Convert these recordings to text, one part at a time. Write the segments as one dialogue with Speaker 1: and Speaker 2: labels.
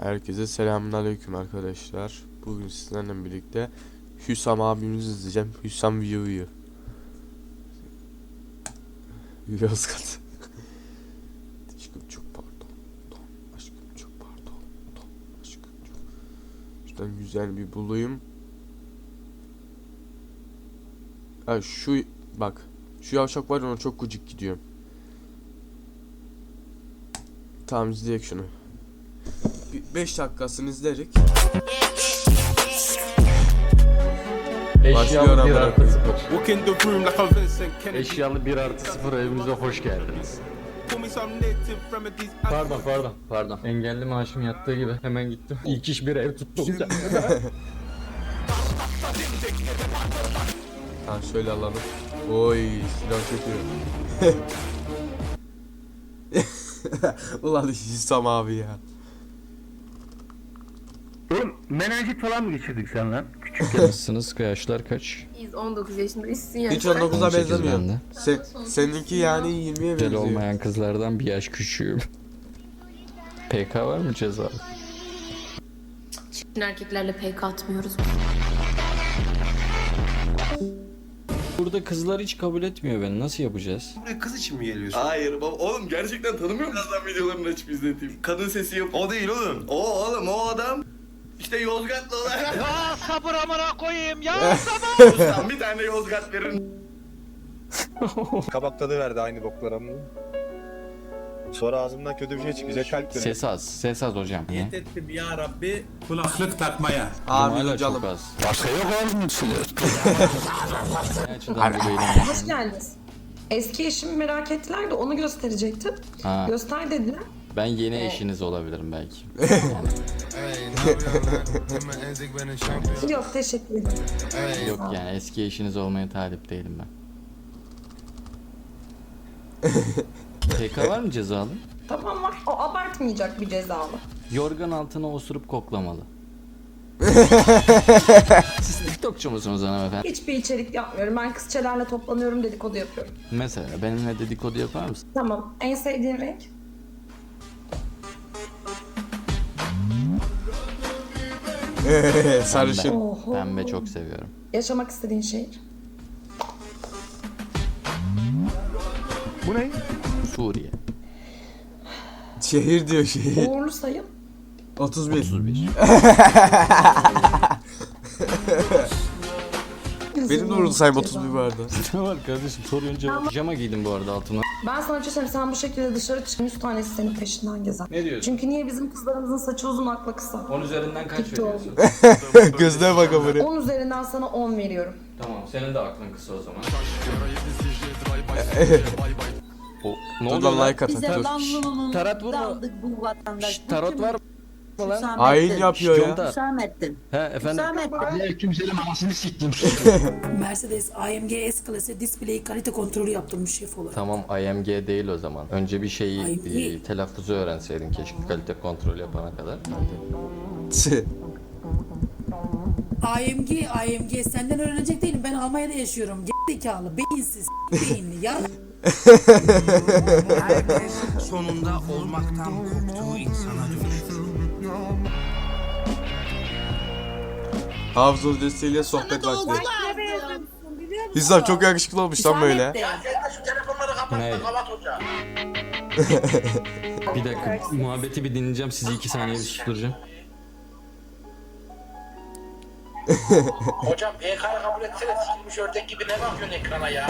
Speaker 1: Herkese selamünaleyküm arkadaşlar. Bugün sizlerle birlikte Hüsam abimizi izleyeceğim. Hüsam Viyo'yu. Yozgat. Aşkım çok pardon. Aşkım çok pardon. Aşkım çok. Şuradan güzel bir bulayım. Ha şu bak. Şu yavşak var, ona çok gıcık gidiyorum. Tamam, izleyek şunu. 5 dakikasını izlerik.
Speaker 2: Eşyalı 1 artı 0.
Speaker 3: Eşyalı 1+0 evimize hoş geldiniz. Pardon. Engelli maaşım yattığı gibi hemen gittim. İlk iş bir ev tuttum.
Speaker 1: Ha şöyle alalım. Oy, silah çekiyor. Ulan Hüsam abi ya.
Speaker 2: Oğlum menenjit falan mı geçirdik sen lan? Küçükken.
Speaker 3: Nasılsınız? Yaşlar kaç?
Speaker 4: Biz 19 yaşındayız ya.
Speaker 1: Hiç 19'a
Speaker 3: 18
Speaker 1: benzemiyor.
Speaker 3: bende.
Speaker 1: Seninki yani 20'ye
Speaker 3: Güzel
Speaker 1: benziyor.
Speaker 3: olmayan kızlardan bir yaş küçüğüm. PK var mı ceza?
Speaker 4: Çirkin erkeklerle PK atmıyoruz.
Speaker 3: Burada kızlar hiç kabul etmiyor beni. Nasıl yapacağız?
Speaker 5: Buraya kız için mi geliyorsun?
Speaker 6: Hayır baba, oğlum gerçekten tanımıyor musun? Birazdan videolarını açıp izleteyim. Kadın sesi yap.
Speaker 5: O değil oğlum.
Speaker 6: O adam işte Yozgatlı olarak.
Speaker 7: Ya sabır amına koyayım ya.
Speaker 6: Ustam bir tane Yozgat verin.
Speaker 8: Kabak tadı verdi aynı boklara mı? Sonra ağzımdan kötü bir şey çıkacak, kalp kırıyor.
Speaker 3: Ses az hocam.
Speaker 9: Niyet ettim ya Rabbi kulaklık takmaya.
Speaker 1: Abi
Speaker 3: Hala
Speaker 1: canım.
Speaker 3: çok az.
Speaker 2: Başka yok oğlum içinde.
Speaker 3: Ne açıdan bu beyler?
Speaker 10: Hoş geldiniz. Eski eşimi merak ettiler de onu gösterecektim.
Speaker 3: Ha,
Speaker 10: Göster dediler.
Speaker 3: ben yeni eşiniz olabilirim belki.
Speaker 10: Yok, teşekkür ederim.
Speaker 3: Yok yani eski eşiniz olmaya talip değilim ben. PK var mı cezalı?
Speaker 10: Tamam, var. O abartmayacak bir cezalı.
Speaker 3: Yorgan altına osurup koklamalı. Siz TikTokçu musunuz hanımefendi?
Speaker 10: Hiçbir içerik yapmıyorum. Ben kızçelerle toplanıyorum, dedikodu yapıyorum.
Speaker 3: Mesela benimle dedikodu yapar mısın?
Speaker 10: Tamam. En sevdiğin renk?
Speaker 1: Sarışın.
Speaker 10: Oho.
Speaker 3: Pembe çok seviyorum.
Speaker 10: Yaşamak istediğin şehir?
Speaker 2: Bu ne?
Speaker 3: Suriye.
Speaker 1: Şehir diyor şehir.
Speaker 10: Uğurlu sayın?
Speaker 1: 31.
Speaker 3: 31.
Speaker 1: Benim de orada sayım 31 vardı.
Speaker 3: Ne var kardeşim sorunca. Pijama giydim bu arada altına.
Speaker 10: Ben sana bir şey söyleyeyim. Sen bu şekilde dışarı çık. 100 tanesi senin peşinden gezer.
Speaker 3: Ne diyorsun?
Speaker 10: Çünkü niye bizim kızlarımızın saçı uzun, akla kısa?
Speaker 3: 10 üzerinden kaç
Speaker 10: TikTok.
Speaker 3: veriyorsun?
Speaker 1: Gözüne bak buraya.
Speaker 10: 10 üzerinden sana 10 veriyorum.
Speaker 3: Tamam senin de aklın kısa o zaman. O, ne
Speaker 1: Dur
Speaker 3: oluyor
Speaker 1: lan,
Speaker 3: lan?
Speaker 1: like at. Dur.
Speaker 3: Tarat vurma.
Speaker 11: Bu vatandaş.
Speaker 3: Şşt, tarot var mı lan?
Speaker 1: Hain yapıyor ya.
Speaker 3: Conta.
Speaker 11: Hüsamettin.
Speaker 3: He efendim.
Speaker 11: Hüsamettin.
Speaker 2: Kimsenin anasını siktim.
Speaker 11: Mercedes AMG S-Class'e display kalite kontrolü yaptırmış şef olarak.
Speaker 3: Tamam IMG değil o zaman. Önce bir şeyi
Speaker 11: IMG.
Speaker 3: telaffuzu öğrenseydin keşke kalite kontrol yapana kadar.
Speaker 11: AMG senden öğrenecek değilim. Ben Almanya'da yaşıyorum. Zekalı, beyinsiz, beyinli ya.
Speaker 9: Sonunda olmaktan korktuğu insana dönüşür.
Speaker 1: Hafız hocasıyla sohbet vakti. Hüsam çok yakışıklı olmuş lan böyle.
Speaker 3: Ne? Bir dakika muhabbeti bir dinleyeceğim sizi 2 saniye bir susturacağım.
Speaker 7: Hocam PK'yı kabul etsene, sikilmiş ördek gibi ne bakıyorsun ekrana ya?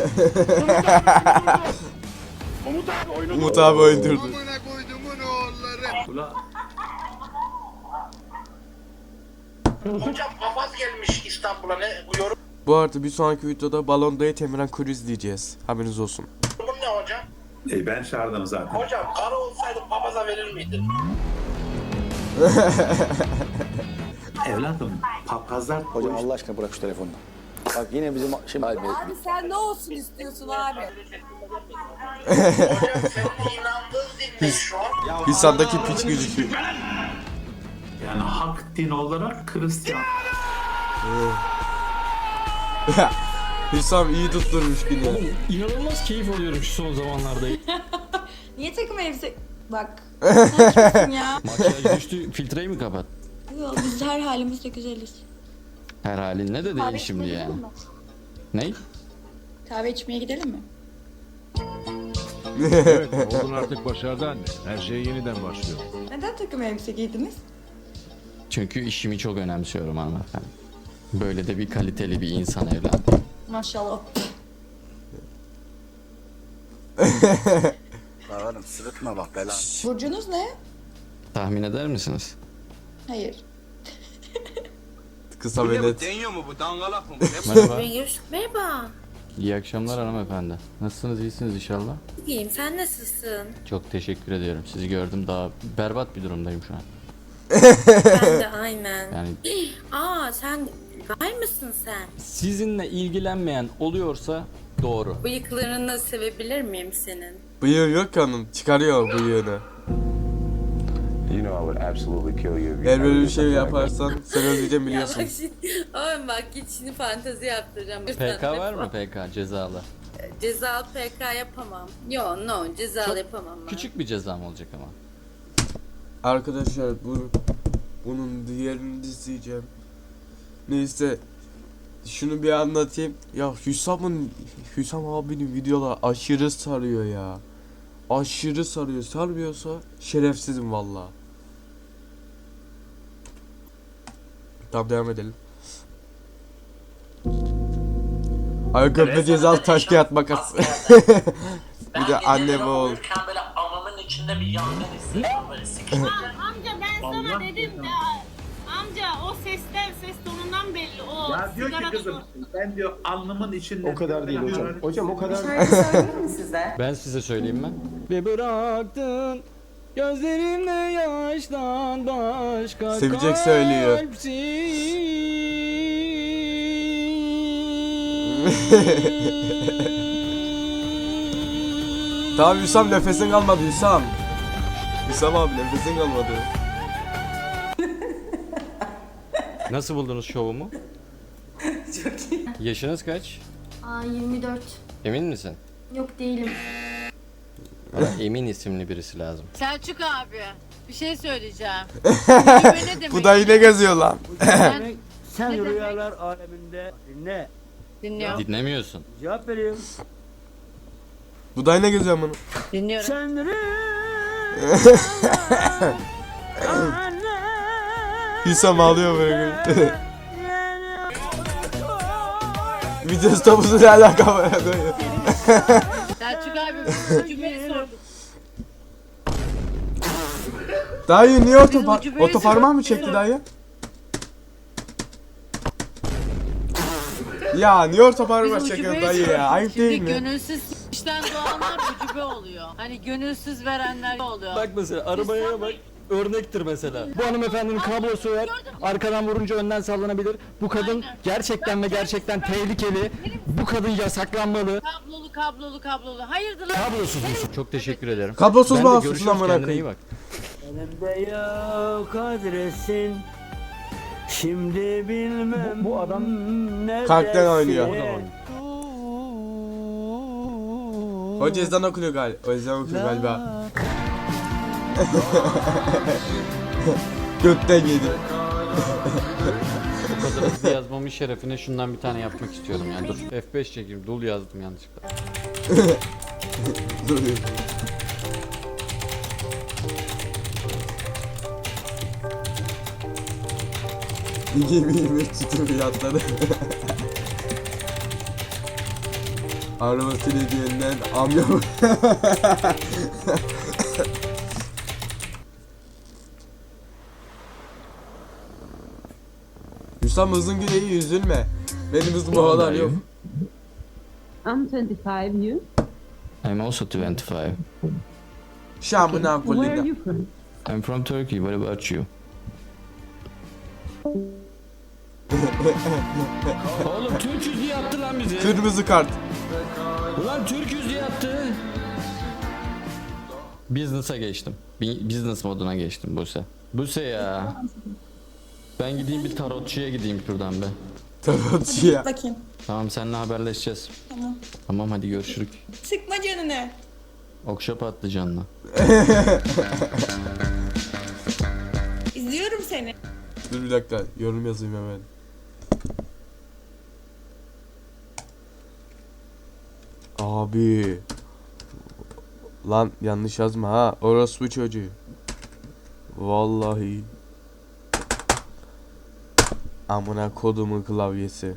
Speaker 1: Umut abi öldürdü.
Speaker 7: Hocam papaz gelmiş İstanbul'a, ne bu yorum
Speaker 1: Bu arada bir sonraki videoda Balonda'yı Temiren Kuru izleyeceğiz. Haberiniz olsun.
Speaker 7: ne hocam?
Speaker 5: Ben çağırdım zaten.
Speaker 7: Hocam karı olsaydı papaza verir miydin?
Speaker 5: Evladım, papazlar
Speaker 8: Hocam Allah aşkına bırak şu telefonu. Bak yine bizim şimdi abi.
Speaker 11: Abi sen ne olsun istiyorsun abi?
Speaker 7: Hocam senin inandığın din ne şu an?
Speaker 1: Hüsam'daki piç gözüküyor.
Speaker 5: yani hak din olarak Hristiyan.
Speaker 1: Hüsam iyi tutturmuş yine.
Speaker 3: İnanılmaz keyif alıyorum şu son zamanlarda.
Speaker 10: Niye takım elbise... Bak, ya.
Speaker 3: Makyaj düştü, filtreyi mi kapat?
Speaker 10: Yok, biz her halimizde güzeliz.
Speaker 3: Her halin ne de değil şimdi yani. Ney?
Speaker 10: Kahve içmeye gidelim mi?
Speaker 8: Evet, oğlun artık başardı anne. Her şey yeniden başlıyor.
Speaker 10: Neden takım elbise giydiniz?
Speaker 3: Çünkü işimi çok önemsiyorum hanımefendi. Böyle de bir kaliteli bir insan evladım.
Speaker 10: Maşallah.
Speaker 9: Oğlum sırıtma bak bela.
Speaker 10: Burcunuz ne?
Speaker 3: Tahmin eder misiniz?
Speaker 10: Hayır.
Speaker 1: Kısa ve net.
Speaker 9: Deniyor mu bu dangalak mı?
Speaker 3: Merhaba.
Speaker 4: Merhaba.
Speaker 3: İyi akşamlar hanımefendi. Nasılsınız, iyisiniz inşallah?
Speaker 4: İyiyim, sen nasılsın?
Speaker 3: Çok teşekkür ediyorum. Sizi gördüm, daha berbat bir durumdayım şu an.
Speaker 4: Ben de aynen.
Speaker 3: Yani
Speaker 4: Aa, sen gay mısın sen?
Speaker 3: sizinle ilgilenmeyen oluyorsa doğru.
Speaker 4: Bıyıklarını sevebilir miyim senin?
Speaker 1: Bıyığı yok ki hanım. Çıkarıyor bıyığını. Eğer böyle bir şey yaparsan sen öldüreceğim biliyorsun.
Speaker 4: Ya bak şimdi, oğlum bak git şimdi fantezi yaptıracağım.
Speaker 3: PK var mı PK cezalı?
Speaker 4: Cezalı PK yapamam. Yo no cezalı yapamam ben.
Speaker 3: Küçük bir cezam olacak ama.
Speaker 1: Arkadaşlar bunun diğerini izleyeceğim. Neyse. Şunu bir anlatayım. Ya Hüsam abinin videoları aşırı sarıyor ya. Aşırı sarıyor. Sarmıyorsa şerefsizim valla. Tamam devam edelim. Ayakkabı cezalı taş kağıt makas. Bir de anne ve oğul.
Speaker 7: Böyle amamın içinde bir yangın hissediyorum böyle sıkıştırdım.
Speaker 11: Amca ben sana dedim de amca o ses tonundan belli o.
Speaker 5: Ya diyor ki kızım ben diyor alnımın içinde.
Speaker 8: O kadar değil hocam. Hocam o kadar değil.
Speaker 10: Söyleyeyim mi size?
Speaker 3: Ben size söyleyeyim ben. Ve bıraktın gözlerimle yaştan başka
Speaker 1: Sevecek söylüyor. Tamam Hüsam nefesin kalmadı Hüsam. Hüsam abi nefesin kalmadı.
Speaker 3: Nasıl buldunuz şovumu?
Speaker 10: Çok iyi.
Speaker 3: Yaşınız kaç?
Speaker 4: Aa 24.
Speaker 3: Emin misin?
Speaker 4: Yok değilim.
Speaker 3: Bana Emin isimli birisi lazım.
Speaker 11: Selçuk abi bir şey söyleyeceğim.
Speaker 1: Bu da yine geziyor lan.
Speaker 2: Sen rüyalar aleminde dinle.
Speaker 11: Dinliyorum.
Speaker 3: Dinlemiyorsun.
Speaker 2: Cevap veriyorum.
Speaker 1: Bu da yine geziyor bunu.
Speaker 11: Dinliyorum.
Speaker 2: Sen
Speaker 1: Hüsam ağlıyor böyle. Video stopusu ne alaka var?
Speaker 11: Selçuk abi bir cümleyi sordum.
Speaker 1: Dayı niye
Speaker 11: ucu böyle
Speaker 1: otoparmağı mı çekti dayı? Ya niye otoparmağı çekiyor dayı ya? Ayıp değil mi?
Speaker 11: Gönülsüz işten doğanlar ucube oluyor. Hani gönülsüz verenler oluyor.
Speaker 3: Bak mesela arabaya bak. Örnektir mesela. Bu hanımefendinin kablosu var. Arkadan vurunca önden sallanabilir. Bu kadın gerçekten ve gerçekten tehlikeli. Bu kadın yasaklanmalı.
Speaker 11: Kablolu. Hayırdır lan?
Speaker 3: Kablosuz musun? Çok teşekkür ederim.
Speaker 1: Kablosuz
Speaker 3: Ben de
Speaker 1: bağımsız
Speaker 3: görüşürüz,
Speaker 1: lan
Speaker 3: kendine iyi
Speaker 1: bırakayım.
Speaker 3: bak.
Speaker 2: elimde yok adresin. Şimdi bilmem bu adam ne
Speaker 1: Kalpten oynuyor.
Speaker 2: dersin.
Speaker 1: Hoca ezan okuyor galiba. O ezan okuyor galiba. Götten yedi.
Speaker 3: O kadar hızlı yazmamın şerefine şundan bir tane yapmak istiyorum yani. Dur F5 çekeyim. Dul yazdım yanlışlıkla.
Speaker 1: Gemi tutup fiyatları. Arabasını hediyenden amca. Hüsam hızın güneyi üzülme. Benim hızım o kadar yok.
Speaker 10: I'm 25, you?
Speaker 3: I'm also 25.
Speaker 1: Şamına
Speaker 10: Where are
Speaker 1: kullida.
Speaker 10: you from?
Speaker 3: I'm from Turkey. What about you? Oğlum Türk'üz diye attı lan bizi.
Speaker 1: Kırmızı kart.
Speaker 3: Ulan Türk'üz diye attı. Business'a geçtim. Business moduna geçtim Buse. Buse ya. Ben gideyim bir tarotçuya gideyim şuradan be.
Speaker 1: Tarotçuya.
Speaker 10: Bakayım.
Speaker 3: Tamam seninle haberleşeceğiz.
Speaker 10: Tamam.
Speaker 3: Tamam hadi görüşürük.
Speaker 10: Sıkma canını.
Speaker 3: Okşa patlıcanla.
Speaker 11: İzliyorum seni.
Speaker 1: Dur bir dakika yorum yazayım hemen. Abi. Lan yanlış yazma ha. Orospu çocuğu. Vallahi. Amına kodumun klavyesi.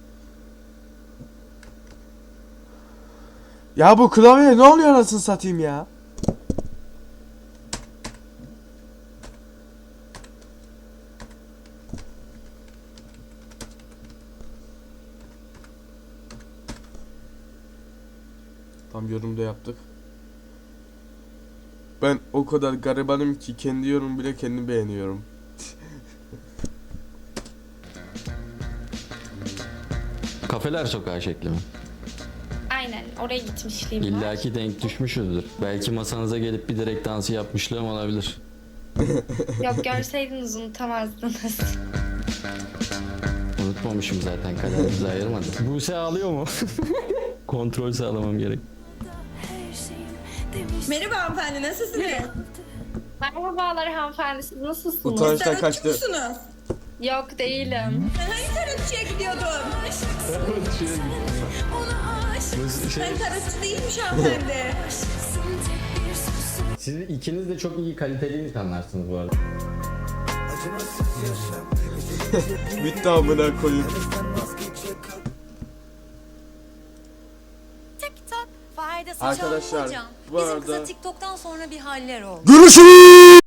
Speaker 1: Ya bu klavye ne oluyor anasını satayım ya? Tam yorumda yaptık. Ben o kadar garibanım ki kendi yorum bile kendim beğeniyorum.
Speaker 3: Kafeler sokağı şekli mi?
Speaker 11: Aynen oraya gitmişliğim var.
Speaker 3: İlla ki denk düşmüşüzdür. Belki masanıza gelip bir direkt dansı yapmışlığım olabilir.
Speaker 11: Yok görseydiniz unutamazdınız.
Speaker 3: Unutmamışım zaten, kaderimizi ayırmadı. Buse ağlıyor mu? Kontrol sağlamam gerek.
Speaker 10: Merhaba hanımefendi, nasılsınız?
Speaker 11: Merhabalar hanımefendi, siz nasılsınız?
Speaker 1: Utançtan kaçtı.
Speaker 10: musunuz?
Speaker 11: Yok değilim.
Speaker 10: Sen hangi tarotçuya gidiyordun? Sen tarotçu değilmiş hanımefendi.
Speaker 3: Siz ikiniz de çok iyi, kaliteli insanlarsınız bu arada.
Speaker 1: Bitti amına koyayım.
Speaker 10: TikTok faydası
Speaker 1: Arkadaşlar bu arada
Speaker 10: TikTok'tan sonra bir haller oldu.
Speaker 1: görüşürüz.